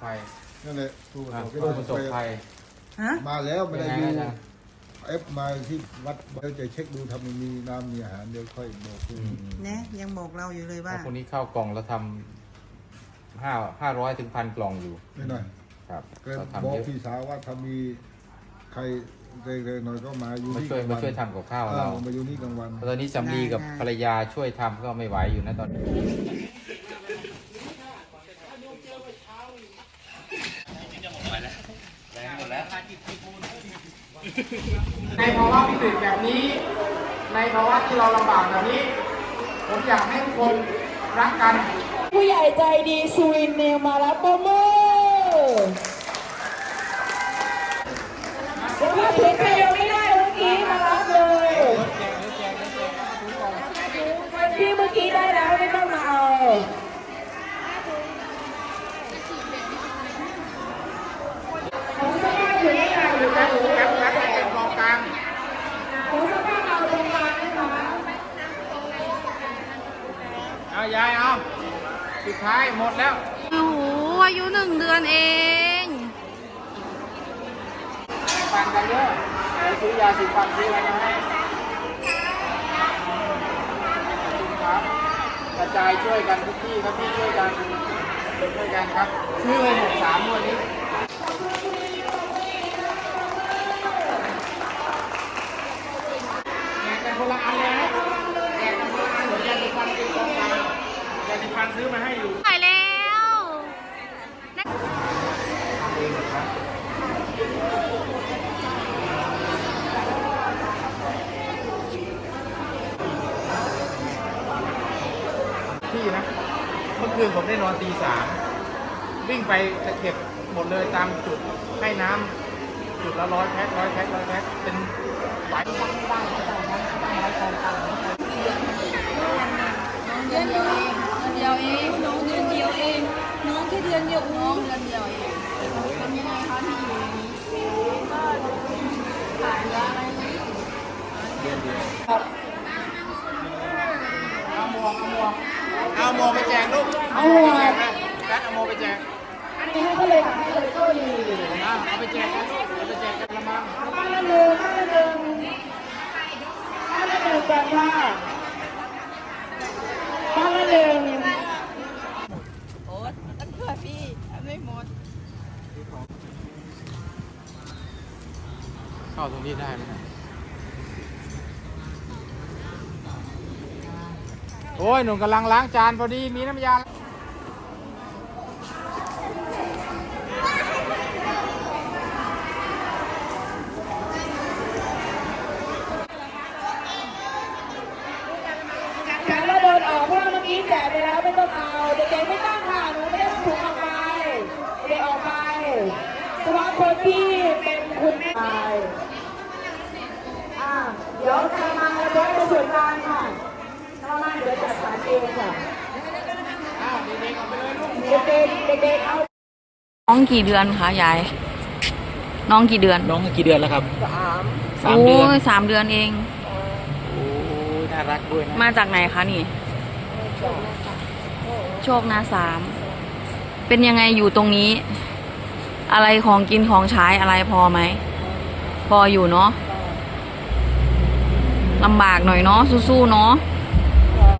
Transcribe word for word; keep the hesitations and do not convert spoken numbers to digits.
ภัยนั่นแหละผู้ประสบผู้ประสบภัยฮะมาแล้วไม่ได้ยังดูไงนะเอฟมาที่วัดเดี๋ยวจะเช็คดูทำมีน้ำมีอาหารเดี๋ยวค่อยบอกคุณอืมอืมเนี่ยยังบอกเราอยู่เลยว่าแล้วคนนี้เข้ากล่องแล้วทำห้าห้าร้อยถึงพันกล่องอยู่ไม่หน่อยครับก็ก็บทำอกเยอะพี่สาวว่าถ้ามีใครเร็วๆหน่อยก็มาอยู่มานี่ช่วยกลางมาวันช่วยทำกับข้าวเอเราอมาอยู่นี่กลางวันตอนนี้สามีกับภรรยาช่วยทำก็ไม่ไหวอยู่นะตอนนี้ในภาวะวิกฤตแบบนี้ ในภาวะที่เราลำบากแบบนี้ ผมอยากให้ทุกคนรักกันผู้ใหญ่ใจดีสุรินทร์เนวมารับโปรโมเดี๋ยวถ้าถึงใครยังไม่ได้เมื่อกี้มารับเลยที่เมื่อกี้ได้แล้วไม่ต้องมาเอาของสภาพอยู่ที่ไหนอยู่กันหรือครับครับเป็นกองกลางของสภาพเอาตรงกลางนะคะเอายายเอาสุดท้ายหมดแล้วโอ้โหอายุหนึ่งเดือนเองฟันกันเยอะไปซื้อยาสีฟันซื้ออะไรมาให้ครับกระจายช่วยกันทุกที่ครับที่ช่วยกันช่วยกันครับซื้อเลยหมดสามวันนี้แจกกันคนละอันเลยนะแจกกันคนละอันเหมือนยาสีฟันเป็นกองกลางยาสีฟันซื้อมาให้อยู่ไปแล้วทำเองเหรอครับที่นะเมื่อคืนผมได้นอนตีสามวิ่งไปจะเก็บหมดเลยตามจุดให้น้ำจุดละร้อยแพ็คร้อยแพ็คร้อยแพ็คเป็นหลายเดือนเดียวเองเดือนเดียวเองน้องเดือนเดียวเองน้องแค่เดือนเดียวน้องเดือนเดียวเองทำยังไงคะที่อยู่อย่างนี้ก็ขาดเนื้ออะไรไหมเดือนเดียวเอาหมวกเอาหมวกเอาหมวกไปแจกลูกเอาหมวกไปแจกนะแบทเอาหมวกไปแจกอันนี้ให้เขาเลยค่ะให้เลยก็ดีเอาเอาไปแจกกันลูกเอาไปแจกกันละมั้งบ้านละหนึ่งบ้านละหนึ่งบ้านละหนึ่งแบบว่าบ้านละหนึ่งโอ๊ตอันเพื่อพี่อันไม่หมดเข้าตรงนี้ได้ไหมเนี่ยโอ้ยหนุ่มกำลังล้างจานพอดีมีน้ำยาฉันแล้วเดินออกเพราะว่าเมื่อกี้แจกไปแล้วไม่ต้องเอาเด็กๆไม่ต้องค่ะหนูไม่ได้ต้องถุงออกไปเด็กออกไปเฉพาะคนที่เป็นคุณแม่อ่าเดี๋ยวจะมาแล้วจะไปส่วนกลางค่ะถ้ามาเดี๋ยวจัดสรรเองค่ะอ้าวเด็กๆเอาไปเลยลูกเด็กๆเด็กๆเอาน้องกี่เดือนคะยาย น้องกี่เดือนน้องกี่เดือนแล้วครับสามสามเดือนโอ้ยสามเดือนเองโอ้ยน่ารักด้วยนะมาจากไหนคะนี่ โชคนาสาม เป็นยังไงอยู่ตรงนี้ อะไรของกินของใช้อะไรพอไหม พออยู่เนาะลำบากหน่อยเนาะสู้ๆเนาะ